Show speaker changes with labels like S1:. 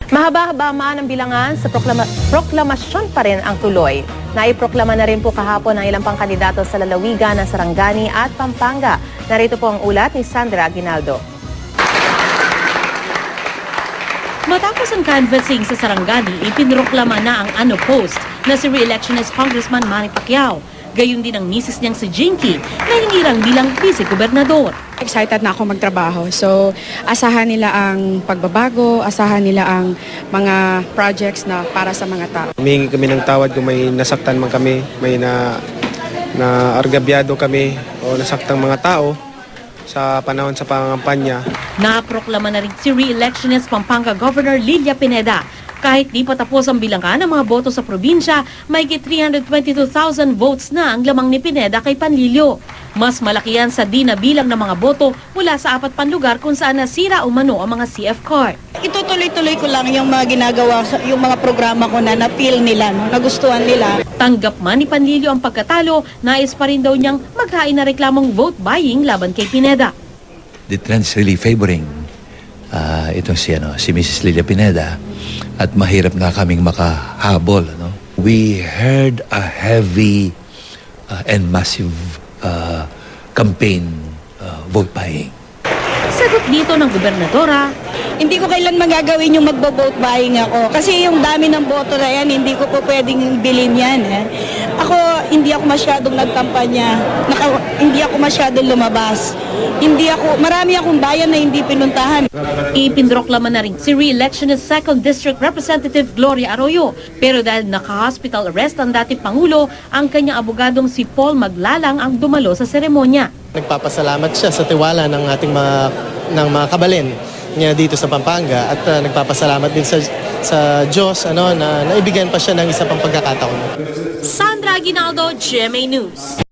S1: Mahaba-haba man ang bilangan sa proklamasyon pa rin ang tuloy. Naiproklama na rin po kahapon ang ilang pangkandidato sa lalawigan ng Sarangani at Pampanga. Narito po ang ulat ni Sandra Aguinaldo.
S2: Matapos ang canvassing sa Sarangani, ipinroklama na ang unopposed na si re-electionist Congressman Manny Pacquiao. Gayon din ang misis niyang si Jinky na hinirang bilang vice-gobernador.
S3: Excited na ako magtrabaho. So, asahan nila ang pagbabago, asahan nila ang mga projects na para sa mga tao.
S4: Humingi kami ng tawad kung may nasaktan man kami, may na argabyado kami o nasaktang mga tao sa panahon sa pangangampanya.
S2: Naproklama na rin si re-electionist Pampanga Governor Lilia Pineda. Kahit di pa tapos ang bilangan ng mga boto sa probinsya, may 322,000 votes na ang lamang ni Pineda kay Panlilio. Mas malaki yan sa di na bilang ng mga boto mula sa 4 pang lugar kung saan nasira umano ang mga CF card.
S5: Itutuloy-tuloy ko lang yung mga ginagawa, yung mga programa ko na na-feel nila, no? Nagustuhan nila.
S2: Tanggap man ni Panlilio ang pagkatalo, nais pa rin daw niyang maghain na reklamong vote buying laban kay Pineda.
S6: The trend's really favoring itong si Mrs. Lilia Pineda at mahirap nga kaming makahabol. No? We heard a heavy and massive campaign vote buying.
S2: Sagot dito ng gobernadora,
S5: Hindi ko kailan magagawin yung magbo-vote buying ako. Kasi yung dami ng boto na yan, hindi ko po pwedeng bilhin yan. Ako, hindi ako masyadong nagkampanya. Hindi ako masyadong lumabas. Marami akong bayan na hindi pinuntahan.
S2: ipinroklama na rin si re-electionist 2nd District Representative Gloria Arroyo. Pero dahil naka-hospital arrest ang dating Pangulo, ang kanyang abogadong si Paul Maglalang ang dumalo sa seremonya.
S7: Nagpapasalamat siya sa tiwala ng ating mga kabalin niya dito sa Pampanga at nagpapasalamat din sa Diyos na naibigyan pa siya ng isa pang pagkakataon.
S2: Sandra Aguinaldo, GMA News.